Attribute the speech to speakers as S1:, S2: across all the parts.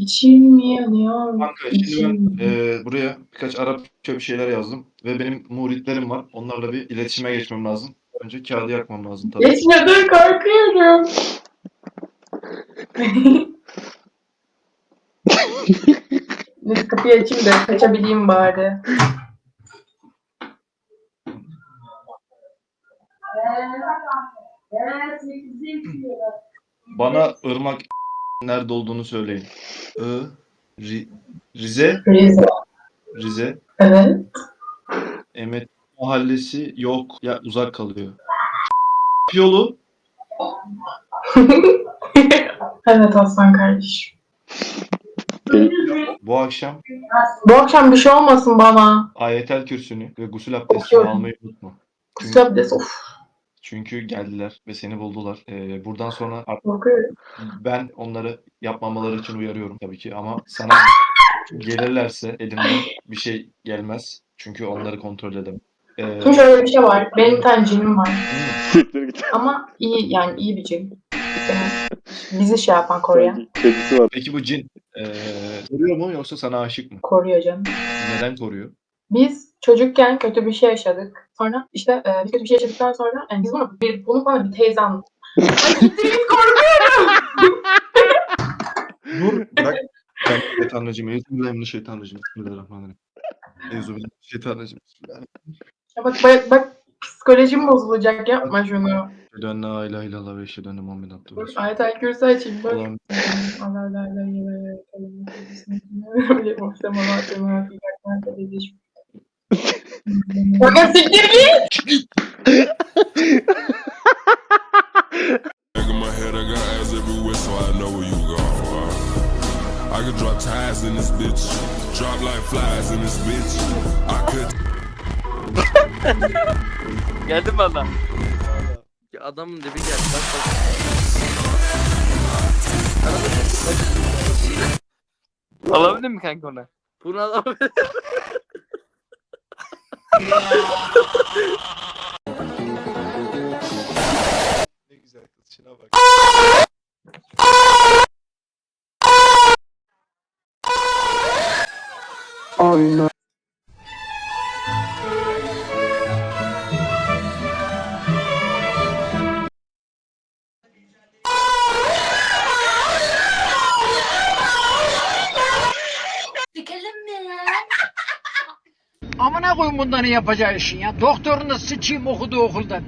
S1: İçim mi yanıyor?
S2: Kanka şimdi
S1: İçim
S2: ben
S1: mi?
S2: buraya birkaç Arapça bir şeyler yazdım ve benim muritlerim var. Onlarla bir iletişime geçmem lazım. Önce kağıdı yakmam lazım tabii.
S1: Geçmeden korkuyorum. Neyse kapıyı açayım da kaçabileyim bari.
S2: Bana Irmak nerede olduğunu söyleyin. Rize,
S1: Rize.
S2: Rize.
S1: Evet.
S2: Emet Mahallesi yok. Ya uzak kalıyor. Yolu
S1: Evet Aslan kardeşim.
S2: bu akşam
S1: Bu akşam bir şey olmasın bana.
S2: Ayetel Kürsü'nü ve gusül abdestini
S1: Okuyorum.
S2: almayı unutma.
S1: Kusura abdest of.
S2: Çünkü geldiler ve seni buldular. Buradan sonra
S1: Korkuyorum.
S2: ben onları yapmamaları için uyarıyorum tabii ki ama sana gelirlerse elimden bir şey gelmez. Çünkü onları kontrol edemem.
S1: Şimdi şöyle bir şey var. Benim bir tane cinim var.
S3: Siktir git.
S1: Ama iyi yani iyi bir cin. Bizi şey yapan koruyan.
S3: Sanki kedisi var.
S2: Peki bu cin koruyor mu yoksa sana aşık mı?
S1: Koruyor canım.
S2: Neden koruyor?
S1: Biz çocukken kötü bir şey yaşadık. Sonra işte biz kötü bir şey yaşadıktan sonra yani biz bunu bana bir teyze anlattı. Ay gittim korkuyorum.
S2: Dur bırak. Ben şeytanracıyım. Euzubillahimineşşeytanirracim. Bismillahirrahmanirrahim. Euzubillahimineşşeytanirracim.
S1: Ya bak psikolojim bozulacak yapma şunu.
S2: Eşhedü en la ilahe illallah ve eşhedü enne Muhammeden abdühü ve resulühü.
S1: Ayetel Kürsü açayım bak.
S2: Allah'ım
S1: Allah la ilahe illallah. Bana siktir git.
S4: Back in my head, I got eyes everywhere, so I know where you going. I could drop ties in this bitch, drop like flies in this bitch. I could.
S5: Geldi mi adam? Ya adamın dibi geldi. Bak bak. Alabilir mi kanka onu? Bunu alabilir.
S2: ne güzel kız. Şuna bak.
S3: Aynen.
S6: Sikelim mi ya?
S7: Amına koyun bunların yapacağı işin ya. Doktorunu sıçayım okuduğu okuldan.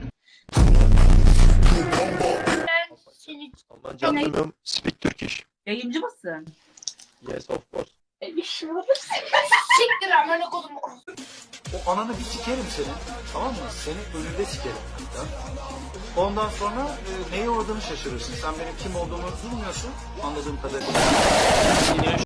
S6: Seni
S2: Aman canım. Speak Turkish.
S6: yayıncı mısın?
S2: Yes of course.
S6: Bir şey olursa siktir amına kodum.
S8: O ananı bir sikerim senin. Tamam mı? Seni önünde sikerim. Ya. Ondan sonra neye uğradığını şaşırırsın. Sen benim kim olduğumu bilmiyorsun. Anladığım kadarıyla.